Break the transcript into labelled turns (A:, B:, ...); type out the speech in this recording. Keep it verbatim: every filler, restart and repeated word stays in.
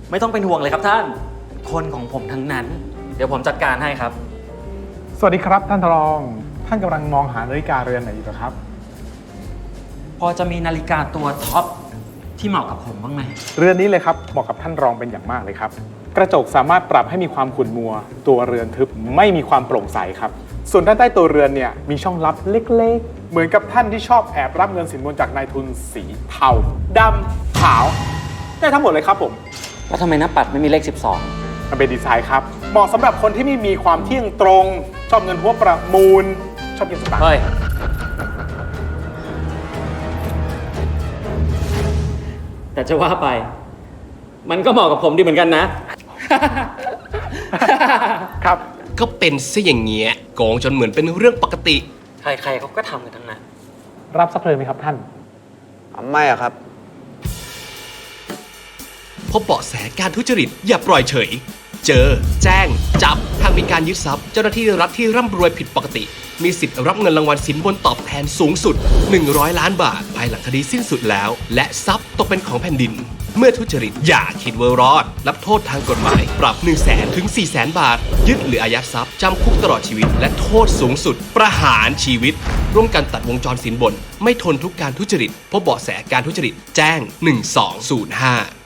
A: ไม่ต้องเป็นห่วงเลยครับท่านคนของผมทั้งนั้นเดี๋ยวผมจัดการให้ครับ
B: สวัสดีครับท่านรองท่านกำลังมองหานาฬิกาเรือนไหนอยู่ครับ
A: พอจะมีนาฬิกาตัวท็อปที่เหมาะกับผมบ้างไหม
B: เรือนนี้เลยครับเหมาะกับท่านรองเป็นอย่างมากเลยครับกระจกสามารถปรับให้มีความขุ่นมัวตัวเรือนทึบไม่มีความโปร่งใสครับส่วนด้านใต้ตัวเรือนเนี่ยมีช่องลับเล็กๆเหมือนกับท่านที่ชอบแอบรับเงินสินบนจากนายทุนสีเทาดำขาวได้ทั้งหมดเลยครับผม
A: แล้วทำไมหน้าปัดไม่มีเลขสิบสอง
B: มันเป็นดีไซน์ครับเหมาะสำหรับคนที่ไม่มีความเที่ยงตรงชอบเงินหัวประมูลชอบกินสตางค์
A: เฮ้ยแต่จะว่าไปมันก็เหมาะกับผมดีเหมือนกันนะ
B: ครับ
C: ก็เป็นซะอย่างเงี้ยโกงจนเหมือนเป็นเรื่องปกติ
A: ใครๆเขาก็ทำกันทั้งนั้น
B: รับสักเพลินไหมครับท่าน
D: ไม่อะครับ
C: พบเบาะแสการทุจริตอย่าปล่อยเฉยเจอแจ้งจับหากมีการยึดทรัพย์เจ้าหน้าที่รัฐที่ร่ำรวยผิดปกติมีสิทธิ์รับเงินรางวัลสินบนตอบแทนสูงสุดหนึ่งร้อยล้านบาทภายหลังคดีสิ้นสุดแล้วและทรัพย์ตกเป็นของแผ่นดินเมื่อทุจริตอย่าคิดว่ารอดรับโทษทางกฎหมายปรับ หนึ่งแสน ถึง สี่แสน บาทยึดหรืออายัดทรัพย์จำคุกตลอดชีวิตและโทษสูงสุดประหารชีวิตร่วมกันตัดวงจรสินบนไม่ทนทุกการทุจริตพบเบาะแสการทุจริตแจ้งหนึ่งสองศูนย์ห้า